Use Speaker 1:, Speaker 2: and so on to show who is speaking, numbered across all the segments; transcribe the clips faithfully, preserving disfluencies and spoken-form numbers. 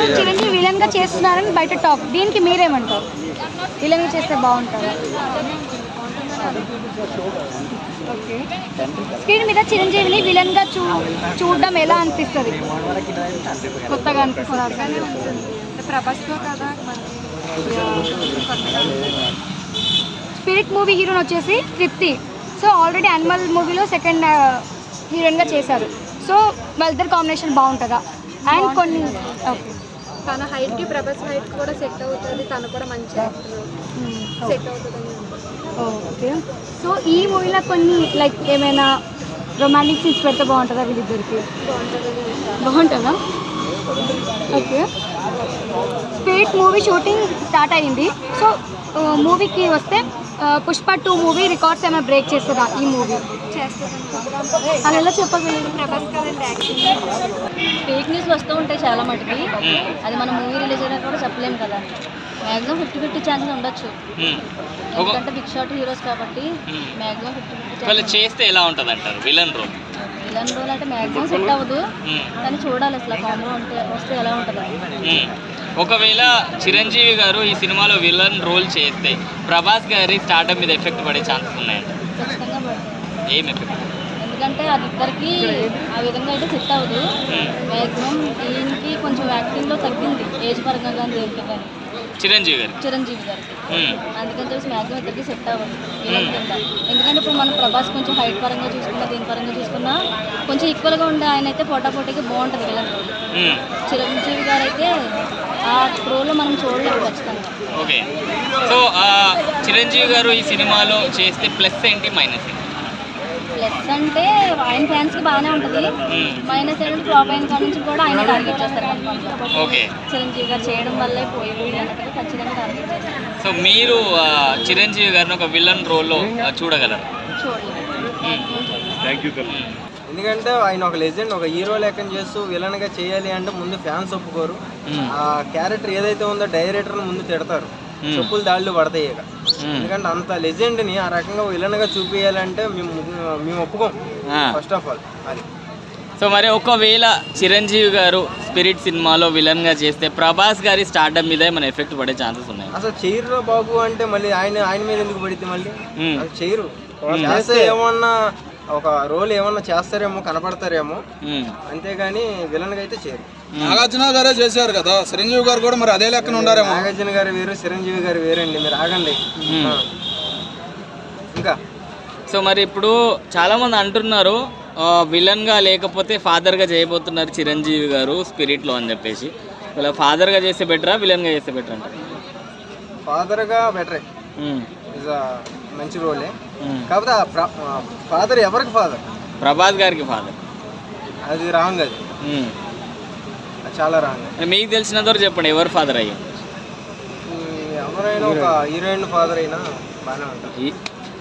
Speaker 1: Chiranjeevi villain గా చేస్తున్నారని బయట టాక్, దీనికి మీరేమంటారు? విలన్ గా చేస్తే బాగుంటుందా? ఓకే, స్క్రీన్ మీద చిరంజీవిని విలన్ గా చూ చూడడం ఎలా అనిపిస్తుంది? కొత్తగా అనిపిస్తుంది. ప్రభాస్తో కదా. స్పిరిట్ మూవీ హీరోని వచ్చేసి తృప్తి. సో ఆల్రెడీ యానిమల్ మూవీలో సెకండ్ హీరోయిన్గా చేశారు. సో వాళ్ళిద్దరు కాంబినేషన్ బాగుంటుందా? అండ్ కొన్ని
Speaker 2: తన హైట్కి ప్రభాస్ హైట్ కూడా సెట్ అవుతుంది, తను కూడా మంచిగా సెట్ అవుతుంది.
Speaker 1: ఓకే, సో ఈ మూవీలో కొన్ని లైక్ ఏమైనా రొమాంటిక్ సీన్స్ పెడితే బాగుంటుందా వీళ్ళిద్దరికి? బాగుంటుందా? Okay, spirit movie shooting start అయ్యింది. సో మూవీకి వస్తే పుష్ప టూ మూవీ రికార్డ్స్ ఏమైనా బ్రేక్ చేస్తుందా ఈ మూవీ?
Speaker 2: చేస్తుంది.
Speaker 1: అది ఎలా చెప్పగలరు?
Speaker 2: ప్రభాస్ కదండి యాక్షన్.
Speaker 3: ఫేక్ న్యూస్లు వస్తూ ఉంటాయి చాలా మటుకి, అది మనం మూవీ రిలీజ్ అయినా కూడా చెప్పలేము కదా. మ్యాక్సిమం ఫిఫ్టీ ఫిఫ్టీ ఛాన్సెస్ ఉండొచ్చు, ఎందుకంటే బిగ్ షాట్ హీరోస్ కాబట్టి మ్యాక్సిమం ఫిఫ్టీ ఫిఫ్టీ
Speaker 4: చేస్తే ఎలా ఉంటుంది అంటారు విలన్ రోల్?
Speaker 3: విలన్ రోల్ అంటే మ్యాక్సిమం సెట్ అవ్వదు, కానీ చూడాలి అసలు కాంబో ఉంటే వస్తే ఎలా ఉంటుంది.
Speaker 4: ఒకవేళ చిరంజీవి గారు ఈ సినిమాలో విలన్ రోల్ చేస్తే ప్రభాస్ గారి స్టార్టప్ మీద ఎఫెక్ట్ పడే ఛాన్సెస్ ఉన్నాయండి?
Speaker 3: ఖచ్చితంగా పడుతుంది.
Speaker 4: ఏం ఎఫెక్ట్?
Speaker 3: ఎందుకంటే అది ఇద్దరికి ఆ విధంగా అయితే సెట్ అవ్వదు. మ్యాక్సిమం దీనికి కొంచెం యాక్టింగ్లో తగ్గింది ఏజ్ పరంగా కానీ దేనికి కానీ
Speaker 4: చిరంజీవి గారు
Speaker 3: చిరంజీవి గారికి అందుకని చెప్పేసి మ్యాక్సిమం ఇద్దరికి సెట్ అవ్వదు విలన్ కింద. ఎందుకంటే ఇప్పుడు మనం ప్రభాస్ కొంచెం హైట్ పరంగా చూసుకున్నా దీని పరంగా చూసుకున్నా కొంచెం ఈక్వల్గా ఉండే ఆయన అయితే పోటాపోటీకి బాగుంటుంది విలన్ రోల్. చిరంజీవి గారు అయితే ఆ రోల్లో మనం చూడలేము ఖచ్చితంగా.
Speaker 4: ఓకే, సో చిరంజీవి గారు ఈ సినిమాలో చేస్తే ప్లస్ ఏంటి మైనస్ ఏంటి?
Speaker 3: ప్లస్ అంటే ఆయన ఫ్యాన్స్కి బాగానే ఉంటుంది, మైనస్ ఏంటంటే ఫ్లాప్ అయిన కాడ నుంచి కూడా ఆయన టార్గెట్ చేస్తారు కన్ఫర్మ్గా.
Speaker 4: ఓకే,
Speaker 3: చిరంజీవి గారు చేయడం వల్లే పోయి అన్నట్టుగా ఖచ్చితంగా టార్గెట్ చేస్తారు.
Speaker 4: సో మీరు చిరంజీవి గారిని ఒక విలన్ రోల్లో చూడగలరు?
Speaker 3: చూడలేదు.
Speaker 5: ఎందుకంటే ఆయన ఒక లెజెండ్, ఒక హీరో లెక్కన చేస్తూ విలన్గా చేయాలి అంటే ముందు ఫ్యాన్స్ ఒప్పుకోరు. ఆ క్యారెక్టర్ ఏదైతే ఉందో డైరెక్టర్ని ముందు తిడతారు, చెప్పులు దాళ్ళు పడతాయి. ఇక ఎందుకంటే అంత లెజెండ్ని ఆ రకంగా విలన్గా చూపించాలంటే మేము మేము ఒప్పుకోం ఫస్ట్ ఆఫ్ ఆల్ అది.
Speaker 4: సో మరి ఒకవేళ చిరంజీవి గారు స్పిరిట్ సినిమాలో విలన్గా చేస్తే ప్రభాస్ గారి స్టార్డమ్ మీద ఏమైనా ఎఫెక్ట్ పడే ఛాన్సెస్ ఉన్నాయి?
Speaker 5: అసలు చెయ్యరు బాబు అంటే మళ్ళీ ఆయన ఆయన మీద ఎందుకు పడిద్ది? మళ్ళీ అది చెయ్యరు. చేస్తే ఏమన్నా ఒక రోల్ ఏమన్నా చేస్తారేమో, కనపడతారేమో, అంతేగాని విలన్ గా అయితే చేయరు.
Speaker 6: నాగార్జున గారే చేశారు కదా, చిరంజీవి గారు కూడా మరి అదే లెక్కన ఉండారేమో.
Speaker 5: నాగార్జున గారు వేరు, చిరంజీవి గారు వేరండి, మీరు ఆగండి. ఇంకా
Speaker 4: సో మరి ఇప్పుడు చాలా మంది అంటున్నారు విలన్ గా లేకపోతే ఫాదర్ గా చేయబోతున్నారు చిరంజీవి గారు స్పిరిట్ లో అని చెప్పేసి. ఇలా ఫాదర్ గా చేస్తే బెటరా విలన్ గా చేస్తే బెటర్ అంటారు?
Speaker 5: ఫాదర్ గా బెటరే, మంచి రోలే. కాకపోతే ఫాదర్ ఎవరికి ఫాదర్?
Speaker 4: ప్రభాస్ గారికి ఫాదర్.
Speaker 5: అది రాంగ్, అది చాలా రాంగ్.
Speaker 4: మీకు తెలిసినంత వరకు చెప్పండి, ఎవరు ఫాదర్ అయ్యి?
Speaker 5: ఎవరైనా ఒక హీరోయిన్ ఫాదర్ అయినా బాగానే ఉంటుంది.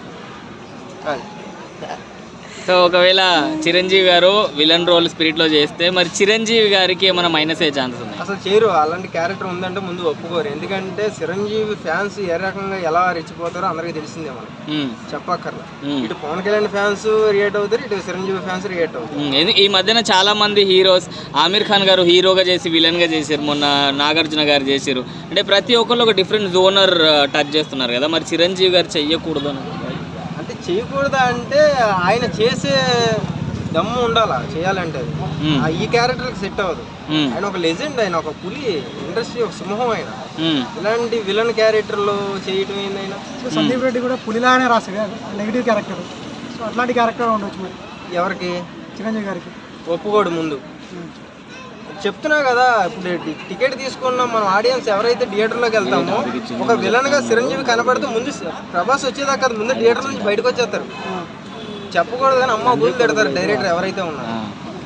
Speaker 4: సో ఒకవేళ చిరంజీవి గారు విలన్ రోల్ స్పిరిట్ లో చేస్తే మరి చిరంజీవి గారికి ఏమైనా మైనస్ అయ్యే ఛాన్సెస్ ఉన్నాయి?
Speaker 5: అసలు చేయరు, అలాంటి క్యారెక్టర్ ఉందంటే ముందు ఒప్పుకోరు. ఎందుకంటే చిరంజీవి ఫ్యాన్స్ ఏ రకంగా ఎలా రెచ్చిపోతారో అందరికీ తెలిసిందే, మనం చెప్పక్కర్లా. ఇటు పవన్ కళ్యాణ్ ఫ్యాన్స్ రియేట్ అవుతారు, ఇటు చిరంజీవి ఫ్యాన్స్ రియేట్ అవుతారు.
Speaker 4: ఈ మధ్యన చాలా మంది హీరోస్, ఆమీర్ ఖాన్ గారు హీరోగా చేసి విలన్ గా చేశారు, మొన్న నాగార్జున గారు చేశారు. అంటే ప్రతి ఒక్కళ్ళు ఒక డిఫరెంట్ జోనర్ టచ్ చేస్తున్నారు కదా, మరి చిరంజీవి గారు చెయ్యకూడదు
Speaker 5: అంటే చేయకూడదా అంటే ఆయన చేసే దమ్ము ఉండాలా చేయాలంటే. అది ఈ క్యారెక్టర్కి సెట్ అవ్వదు. ఆయన ఒక లెజెండ్, ఆయన ఒక పులి, ఇండస్ట్రీ ఒక సింహం. ఆయన ఇలాంటి విలన్ క్యారెక్టర్లు చేయటం ఏందైనా.
Speaker 7: సందీప్ రెడ్డి కూడా పులిలానే రాశాడు, నెగిటివ్ క్యారెక్టర్. సో అట్లాంటి క్యారెక్టర్ ఉండొచ్చు మరి
Speaker 5: ఎవరికి?
Speaker 7: చిరంజీవి గారికి.
Speaker 5: ఒప్పుకోడు ముందు. చెప్తున్నా కదా, ఇప్పుడు టికెట్ తీసుకున్నాం మనం ఆడియన్స్ ఎవరైతే థియేటర్లోకి వెళ్తామో, ఒక విలన్గా చిరంజీవి కనపడితే ముందు ప్రభాస్ వచ్చేదాకా ముందు థియేటర్ నుంచి బయటకు వచ్చేస్తారు. చెప్పకూడదు కానీ అమ్మ బూతులు తిడతారు డైరెక్టర్ ఎవరైతే ఉన్నారు.